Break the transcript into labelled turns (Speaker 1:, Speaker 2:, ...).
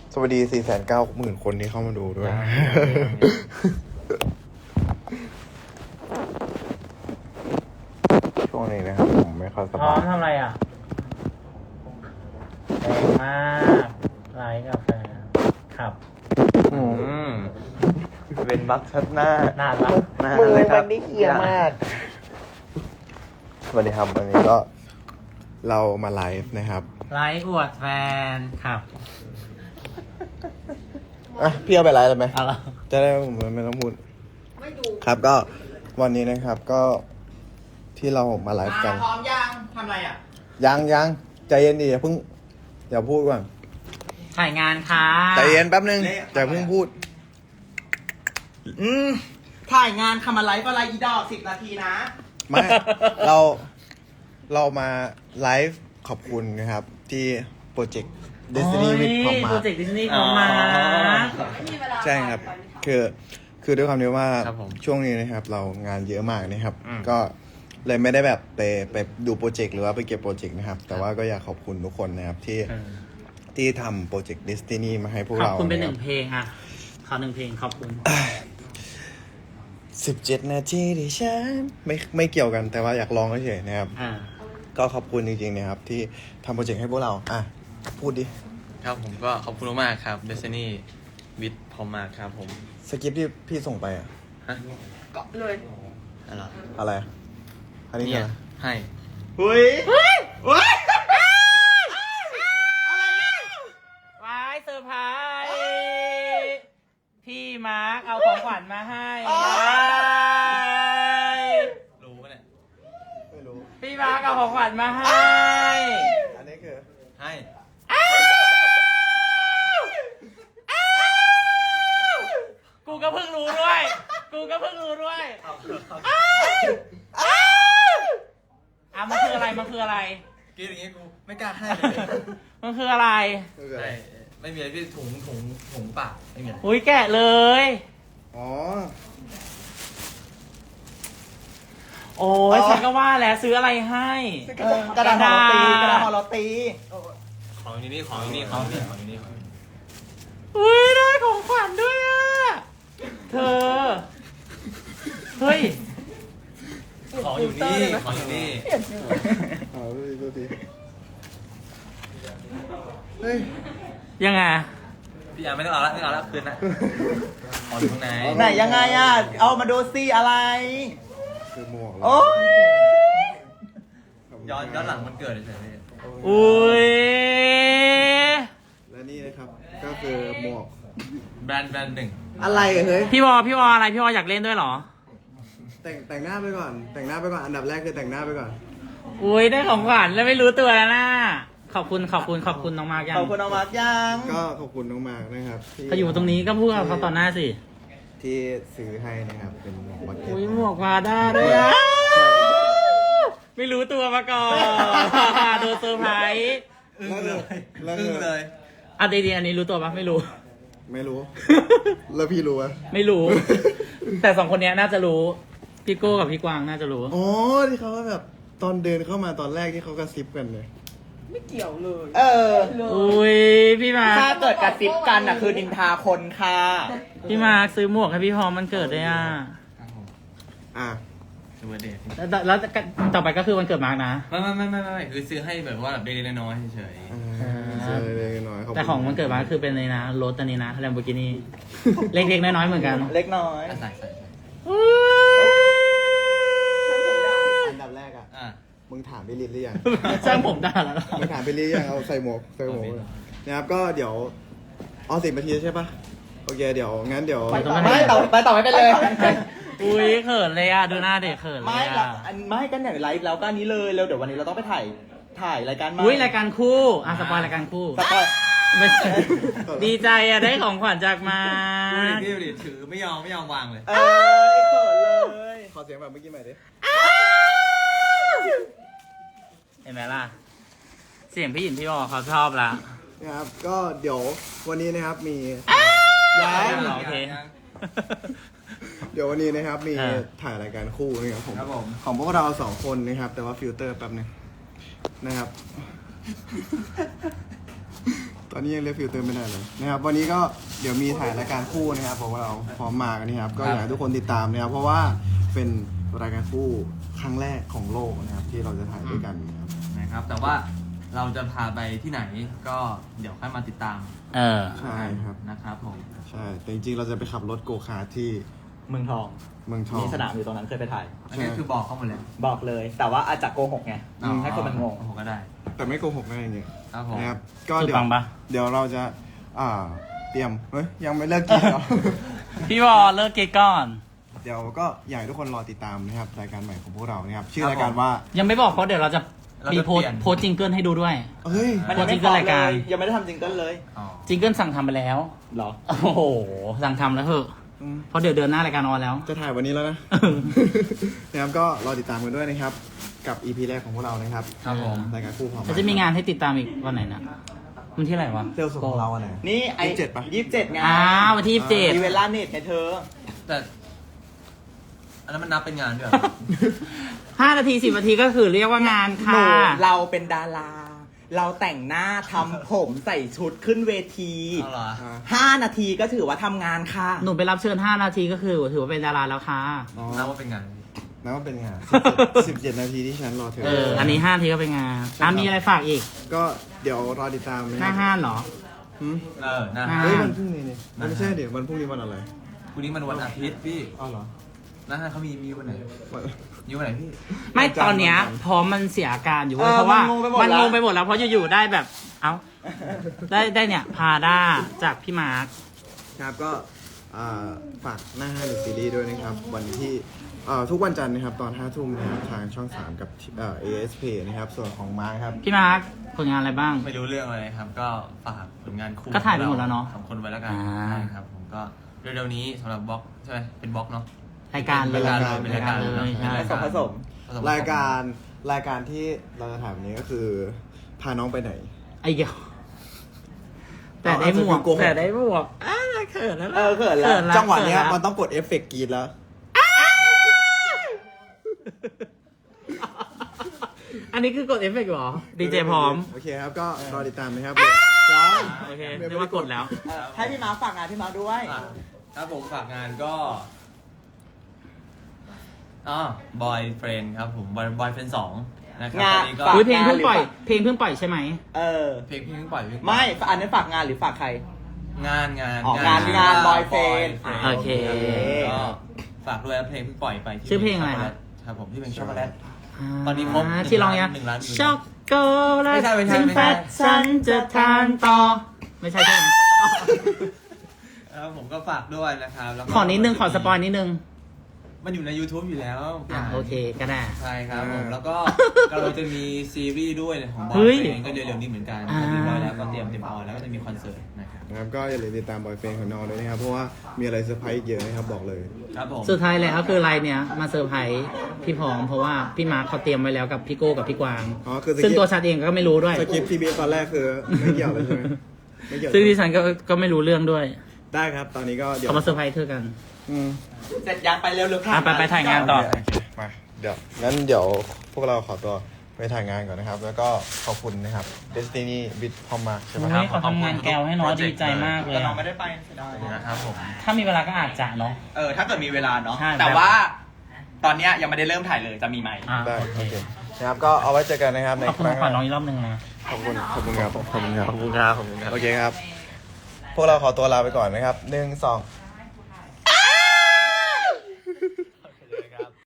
Speaker 1: สวัสดี 490,000 คนที่เข้ามาดูด้วย ช่วงนี้นะครับผมไม่ค่อยส
Speaker 2: พร้อบ
Speaker 1: าม ย
Speaker 2: ทำอะไรอ่ะแรงมากไลฟ์กาแฟครับ
Speaker 3: เป็นบักชัดหน้า
Speaker 2: นานละ
Speaker 1: มือมันนี่เคลียร์มาก สวัสดีครับวันนี้ก็เรามาไลฟ์นะครับ
Speaker 2: ไลฟ์อวดแฟนครับ
Speaker 1: อ่ะพี่เอาไปไลฟ์เลยไหม
Speaker 2: เอาละ
Speaker 1: จะได้ผมไม่ต้องพูดครับก็วันนี้นะครับก็ที่เรามาไลฟ์กัน
Speaker 3: พร้อมยังทำอะไรอ่ะ
Speaker 1: ยังใจเย็นดิอย่าพูดก่อน
Speaker 2: ถ่ายงานค่ะ
Speaker 1: ใจเย็นแป๊บนึงอย่าเพิ่งพูด
Speaker 3: ถ่ายงานทำอะไรก็ไลฟ์อีดอก10 นาทีนะ
Speaker 1: ไม่ เรามาไลฟ์ขอบคุณนะครับ ที่โปรเจกต์ Destiny with พอมา
Speaker 2: โปรเจกต์ดิสนีย์พอมา
Speaker 1: ใช่ครับ คือด้วยความที่ว่า
Speaker 2: ครับผม
Speaker 1: ช่วงนี้นะครับ เรางานเยอะมากนะครับ ก็เลยไม่ได้แบบไปดูโปรเจกต์หรือว่าไปเก็บโปรเจกต์นะครับ แต่ว่าก็อยากขอบคุณทุกคนนะครับที่ทำโปรเจกต์ Destiny มาให้พวก
Speaker 2: ขอบ
Speaker 1: เรา
Speaker 2: คุณเป็นห
Speaker 1: นะ
Speaker 2: นึ่
Speaker 1: ค
Speaker 2: ง
Speaker 1: รับ
Speaker 2: เพลงอ่ะขอ1 เพลงขอบคุณ
Speaker 1: 17 นาทีที่ฉันไม่เกี่ยวกันแต่ว่าอยากลองเฉยๆนะครับ ก็ขอบคุณจริงๆนะครับที่ทำโปรเจกต์ให้พวกเราพูดดิ
Speaker 4: ครับผมก็ขอบคุณมากๆครับ Destiny with พอมากครับผม
Speaker 1: สคริปต์ที่พี่ส่งไปอะ
Speaker 4: ฮะ
Speaker 3: ก็เลย
Speaker 4: อะไร
Speaker 1: อะไรอะอันนี้
Speaker 4: เนี่
Speaker 1: คือย อะไร
Speaker 4: ให้
Speaker 3: เฮ้ยเฮ้ย
Speaker 2: ว้ายเซอร์ไพรส์พี่มาร์คเอาของขวัญมาให้
Speaker 4: รู้ปะเนี่ย
Speaker 1: ไม่รู้
Speaker 2: พี่มาร์คเอาของขวัญมาให้
Speaker 1: อันนี้คือ
Speaker 4: ให้
Speaker 2: กูก็เพิ่งรู้ด้วยมันคืออะไร
Speaker 4: กินอย่างงี้กูไม่กล้าให้เลย
Speaker 2: มันคืออะไร
Speaker 4: ใช่ไม่มีอะไรพี่ถุงปากไม่มีอะไร
Speaker 2: อุ้ยแกะเลย
Speaker 1: อ๋อ
Speaker 2: โอ้ยฉันก็ว่าแล้วซื้ออะไรให้
Speaker 3: กระดาษห่อโรตี
Speaker 4: ของอยู่นี่ของอยู่นี่ของอยู่นี่ของอยู่นี่
Speaker 2: อุ้ยได้ของขวัญด้วยอ่ะ เธอ เฮ้ย
Speaker 4: ของอยู่นี่ของอยู่นี่
Speaker 1: เอาดูดิเฮ้ย
Speaker 2: ยังไง
Speaker 4: พี่ยังไม่ต้องเอาละคืนนะของอยู่ข้างใน
Speaker 3: ไหนยังไงอ่ะ เอามาดูซิอะไร
Speaker 1: คือหมวก
Speaker 3: โอ้ย
Speaker 4: ย้อนหลังมันเกิดเฉยๆพี่
Speaker 2: อุ้ย
Speaker 1: และนี่นะครับ ก็คือหมวก
Speaker 4: แบรนด์หนึ่ง
Speaker 1: อะไรเฮ้ย
Speaker 2: พี่วออะไร พี่วออยากเล่นด้วยเหรอ
Speaker 1: แต่งหน้าไปก่อน อันดับแรกคือแต่งหน้าไปก่อน
Speaker 2: อุ้ยได้ของขวัญแล้วไม่รู้ตัวแล้วนะขอบคุณน้องมากยัง
Speaker 3: ขอบคุณเอามายัง
Speaker 1: ก็ขอบคุณน้องมากนะครับที่
Speaker 2: เขาอยู่ตรงนี้ก็พูดกับเขาต่อหน้าสิ
Speaker 1: ที่ซื้อให้นะครับ เป็นหมวกบักเก็ต
Speaker 2: อุ้ยหมวกวาด้าด้วยอะไม่รู้ตัวมาก่อนโดนเซอร์ไพรส์
Speaker 4: อึ้งเลย
Speaker 1: แล้ว
Speaker 4: อึ้งเลย
Speaker 2: อ่ะดีๆอันนี้รู้ตัวปะไม่รู้
Speaker 1: ไม่รู้ แล้วพี่รู้ปะ
Speaker 2: ไม่รู้ แต่2 คนเนี้ยน่าจะรู้พี่โก้กับพี่กวางน่าจะรู้
Speaker 1: อ๋อที่เขาว่าแบบตอนเดินเข้ามาตอนแรกที่เขากระซิบกันเลย
Speaker 3: เออ
Speaker 2: อุ้ยพี่มาร์
Speaker 3: ถ้า
Speaker 2: ค
Speaker 3: เกิดกระซิบกันอ่ะคือนินทาคนค่ะ
Speaker 2: พี่มาร์คซื้อหมวกให้พี่พร้อมมันเกิดด้วยอ่ะ
Speaker 4: ครับผม
Speaker 1: อ่ะ
Speaker 4: สวัสดี
Speaker 2: แล้วต่อไปก็คือวันเกิดมาร์คนะ
Speaker 4: ไม่คือซื้อให้แบบว่าแบบเล็กๆน้อยๆเฉย
Speaker 1: เจอเลยหน่อยขบคุณ
Speaker 2: แต่ของวันเกิดมาร์คคือเป็นเลยนะรถอันนี้นะแลมโบกินีเล็กๆน้อยๆเหมือนกัน
Speaker 3: เล็กน้อย
Speaker 4: ๆใส่
Speaker 1: อันดับแรกอ่ะ
Speaker 4: อ่ะ
Speaker 1: มึงถามพี่ลินหรือยัง
Speaker 2: ช่างผมด่าแล้ว
Speaker 1: มึงถามพี่ลินยังเอาใส่หมวกนะครับก็เดี๋ยว10 นาทีใช่ปะโอเคเดี๋ยวงั้นเดี๋ยว
Speaker 3: ไม่ต่อไม่เป็นเลย
Speaker 2: อุ้ยเขินเลยอ่ะดูหน้าเด็กเขินเล
Speaker 3: ไม่
Speaker 2: ย
Speaker 3: ละ
Speaker 2: อ่ะ
Speaker 3: ไม่กันอย่างไลฟ์แล้วก็อันนี้เลยแล้วเดี๋ยววันนี้เราต้องไปถ่ายรายการใหม่
Speaker 2: อุ้ยรายการคู่อ่ะสปอยรายการคู่
Speaker 3: สปอย
Speaker 2: ไม่ใช่ดีใจอ่ะได้ของขวัญจากมา
Speaker 4: ดูดิถือไม่ยอมวางเลย
Speaker 3: เออเขินเลย
Speaker 1: ขอเสียงแบบเมื่อกี้ใหม่ดิ
Speaker 2: เห็นไหมล่ะ เสียงพี่หยินพี่บอกเขาชอบละ
Speaker 1: นะครับก็เดี๋ยววันนี้นะครับมี
Speaker 2: โอเค
Speaker 1: เดี๋ยววันนี้นะครับมี
Speaker 2: อ่า
Speaker 1: ถ่ายรายการคู่นะครับผม
Speaker 4: ครับผม
Speaker 1: ของพวกเรา2 คนนะครับ แต่ว่าฟิลเตอร์แป๊บนึงนะครับตอนนี้ยังเรียกฟิลเตอร์ไม่ได้เลยนะครับวันนี้ก็เดี๋ยวมีถ่ายรายการคู่นะครับของเราพร้อมมากันนะครับก็อยากให้ทุกคนติดตามนะครับเพราะว่าเป็นรายการคู่ครั้งแรกของโลกนะครับที่เราจะถ่ายด้วยกันนะครับ
Speaker 4: นะครับ แต่ว่าเราจะพาไปที่ไหนก็เดี๋ยวค่อยมาติดตาม
Speaker 1: ใช่ครับ
Speaker 4: นะครับผม
Speaker 1: ใช่แต่จริงๆเราจะไปขับรถโกคาร์ทที่
Speaker 3: เมืองทอง
Speaker 1: เมืองทอง
Speaker 3: มีสนามอยู่ตรงนั้นเคยไปถ่าย
Speaker 4: อันนี้คือบอกเข้ามาเลย
Speaker 3: บอกเลย แต่ว่าอาจจะโกหกไงให้คนมันงง
Speaker 4: ผมก็ได้
Speaker 1: แต่ไม่โกหกอะไรอย่างเงี้ย
Speaker 4: ครับผม
Speaker 1: นะครับก็
Speaker 2: สุด
Speaker 1: เดี๋ยว
Speaker 2: ปังปะ
Speaker 1: เดี๋ยวเราจะเตรียมเฮ้ยยังไม่เลิกกินเหรอ
Speaker 2: พี่วอเลิกเกย์ก่อน
Speaker 1: เดี๋ยวก็อยากให้ทุกคนรอติดตามนะครับรายการใหม่ของพวกเรานะครับชื่อรายการว่า
Speaker 2: ยังไม่บอกเพราะเดี๋ยวเราจะมีโพสต์จิงเกิลให้ดูด้วย
Speaker 1: เฮ้ย
Speaker 3: มันยังไม่
Speaker 2: โปรจิงเกิลรายการ
Speaker 3: ยังไม่ได้ทำจิงเกิลเลย
Speaker 4: อ๋อ
Speaker 2: จิงเกิลสั่งทำไปแล้ว
Speaker 3: เหรอ
Speaker 2: โอ้โห สั่งทำแล้วเถอะ เพราะเดี๋ยวเดือนหน้ารายการออนแล้ว
Speaker 1: จะถ่ายวันนี้แล้วนะ นะครับก็รอติดตามกันด้วยนะครับ กับ EP แรกของพวกเรานะครับ
Speaker 2: ครับผม
Speaker 1: รายการคู่ของ
Speaker 2: แล้วจะมีงานให้ติดตามอีกวันไหนนะวันที่ไหนวะ
Speaker 1: เซลล์สุดของเราอันไหน
Speaker 3: นี่ไอ้
Speaker 1: 27ปะ
Speaker 3: 27ไง
Speaker 2: วันที่27
Speaker 3: มีเวลาเน็ตไงเธอ
Speaker 4: แต่อันนั้นมันนับเป็นงานด้วย
Speaker 2: 5 นาที 10 นาทีก็คือเรียกว่างาน
Speaker 3: หนู
Speaker 2: ค่ะ
Speaker 3: เราเป็นดารา เราแต่งหน้าทำผมใส่ชุดขึ้นเวที
Speaker 4: เอาเหรอ
Speaker 3: 5 นาทีก็ถือว่าทำงานค่ะ
Speaker 2: หนูไปรับเชิญ 5 นาทีก็คือถือว่าเป็นดาราแล้วค่ะ
Speaker 1: อ๋อ
Speaker 4: นับว่าเป็นงาน
Speaker 1: นับว่าเป็นงาน 17 นาทีที่ฉันรอเธอ
Speaker 2: อันนี้5 นาทีก็เป็นงานมีอะไรฝากอีก
Speaker 1: ก็เดี๋ยวรอติดตามนะ
Speaker 2: หน้า
Speaker 1: ครับ
Speaker 2: ห้านเหรอ
Speaker 1: หืม
Speaker 4: หน้า
Speaker 1: เฮ้ยวันพรุ่งนี้นี่ไม่ใช่เดี๋ยววันพรุ่งนี้วันอะไร
Speaker 4: พรุ่งนี้มันวันอาทิตย์พี่
Speaker 1: อ้าวเหรอ
Speaker 4: หน้าห้างเขามีวันไหน
Speaker 1: วัน
Speaker 4: มีวันไหนพี่
Speaker 2: ไม่
Speaker 1: วันจันทร์
Speaker 2: ตอนเนี้ย
Speaker 1: วันจันทร์
Speaker 2: พร้อมมันเสียอาการอยู่เว้ย
Speaker 3: เออ
Speaker 2: เพราะว่า
Speaker 3: มันงงไปหมดแล้ว
Speaker 2: เพราะอยู่ๆได้แบบ เอ้า ได้เนี่ย พาด้าจากพี่มาร์ค
Speaker 1: ครับก็ฝากหน้าห้างหรือซีรีส์ด้วยนะครับ วันที่ทุกวันจันทร์นะครับตอน 5 ทุ่มนะครับทางช่อง 3 กับASP นะครับส่วนของมาร์คครับ
Speaker 2: พี่มาร์คผลงานอะไรบ้าง
Speaker 4: ไม่รู้เรื่องอะไรครับ ก็ฝากผลงานคู่
Speaker 2: ก็ถ่ายไปหมดแล้วเนอะ
Speaker 4: สองคนไว้แล้วกัน
Speaker 2: อ่า
Speaker 4: ใช่ครับ ผมก็เร็วๆนี้สำหรับบล็อกใช่ไหมเป็นบล็อกเนาะ
Speaker 2: รายการเลย
Speaker 4: เป็นรายการเลย
Speaker 2: เลยใช่
Speaker 3: ผสมผสม
Speaker 1: รายการที่เราจะถ่ายวันนี้ก็คือพาน้องไปไหน
Speaker 2: ไอ้เหี้ยแต่ได้หมวก
Speaker 1: เอาอาจจะดูโกหก
Speaker 2: แต่ได้หมวกเขินแล้ว
Speaker 3: เขินแล้ว
Speaker 1: จังหวะเนี้ย
Speaker 2: เขิ
Speaker 1: มันต้องกดเอฟเฟกต์กรีดแล้ว
Speaker 2: อันนี้คือกดเอฟเฟกต์เหรอ ดีเจพร้อม
Speaker 1: โอเคครับก็รอติดตามนะครับ
Speaker 2: โอเคเรียกว่ากดแล้ว
Speaker 3: ให้พี่มาร์คฝากงานพี่มาร์คด้วย
Speaker 4: ครับผมฝากงานก็บอยเฟรนครับผมบอยเฟรน2นะครับ
Speaker 3: งาน
Speaker 4: ตอนนี้ก็
Speaker 3: ฝาก
Speaker 2: อุ๊ยเพลงเพิ่งปล่อย เพลงเพิ่งปล่อยใช่ไหม
Speaker 3: เออ
Speaker 4: เพลงเพิ่งปล่อย
Speaker 3: ไม่อันนั้นฝากงานหรือฝากใคร
Speaker 4: งาน
Speaker 3: อ๋องานบอยเฟรน
Speaker 2: โอเค
Speaker 4: ก็ฝากด้วยเพลงเพิ่งปล่อยไปที่
Speaker 2: ชื่อเพลงอะไร
Speaker 4: ช็กโกแล
Speaker 2: ฮะ
Speaker 4: ตครับผมที่เป็นช็อกโกแลต ตอนนี้ครบ
Speaker 2: ที่ร้องยัง
Speaker 4: 1 ล้านวิว
Speaker 2: ช็อกโกแลต
Speaker 4: ไม่ใช่ไม่ใช่
Speaker 2: ถึง
Speaker 4: ไม่ใช่
Speaker 2: แฟตฉันจะทานต่อ ไม่ใช่ใช่ไหม
Speaker 4: ครับผมก็ฝากด้วยนะครับแล้วก็
Speaker 2: ขอนิดนึง ขอสปอยนิดนึง
Speaker 4: มันอยู่ใน YouTube อยู่แล้ว
Speaker 2: โอเคก็ได้
Speaker 4: ใช่ครับผมแล้วก็เราจะมีซีรีส์ด้วยของบอ
Speaker 2: เฮ้
Speaker 4: ย
Speaker 2: ย
Speaker 4: เฟรนก็เร็วๆนี้เหมือนกัน
Speaker 2: อ่า
Speaker 4: เรียบร้อยแล้วก็เตรียมออนแล้วก็จะมีคอนเสิร์ตนะครับ
Speaker 1: นะครับก็อย่าลืมติดตามบอยเฟนของน้องด้วยนะครับ เพราะว่ามีอะไรเซอร์ไพรส์อีกเยอะนะครับบอกเลย
Speaker 4: ครับผม
Speaker 2: สุดท้ายแล้วคืออะไรเนี่ยมาเซอร์ไพรส์พี่พร้อมเพราะว่าพี่มาร์คเขาเตรียมไว้แล้วกับพี่โก้กับพี่กวาง
Speaker 1: อ๋อคือ
Speaker 2: ซึ่งตัวฉันเองก็ไม่รู้ด้วย
Speaker 1: สคริปต์ทีบีตอนแรกคือไม่เกี่ยวเลยใช่ไหมไม่เกี่ยว
Speaker 2: ซึ่งที่ฉันก็ไม่รู้เรื่องด้วย
Speaker 1: ได้ครับ ตอนนี้ก็เดี๋ยว
Speaker 2: เขามาเซอร์ไพรส์เธอกัน
Speaker 1: อืม
Speaker 3: เสร็จยังไปเร็วๆค่ะ
Speaker 2: ไปถ่ายงานต่อ
Speaker 1: โอเคมาเดี๋ยวงั้นเดี๋ยวพวกเราขอตัวไปถ่ายงานก่อนนะครับ แล้วก็ขอบคุณนะครับ Destiny with พอมมาใช่ไหม
Speaker 2: โอ้ยเขาทำงานแกวให้น้อยดีใจมากเลย
Speaker 3: แต่น้อง
Speaker 2: อะ
Speaker 3: ไม่ได้ไปเสียดาย
Speaker 4: นะครับผม
Speaker 2: ถ้ามีเวลาก็อาจจะเนาะ
Speaker 3: ถ้าเกิดมีเวลาเนาะ
Speaker 2: ใช่
Speaker 3: แต่ว่าตอนเนี้ยยังไม่ได้เริ่มถ่ายเลยจะมีไหม
Speaker 1: ได้โอเคนะครับก็เอาไว้เจอกันนะครับใน
Speaker 2: ขอบ
Speaker 1: ค
Speaker 2: คุณ
Speaker 1: รั้ง
Speaker 2: ขวัญน้องอีกรอบหนึ่งนะ
Speaker 1: ขอบคุณครับขอบคุณครับ
Speaker 4: ขอบคุณครับ
Speaker 1: โอเคครับ พวกเราขอตัวลาไปก่อนนะครับ1 2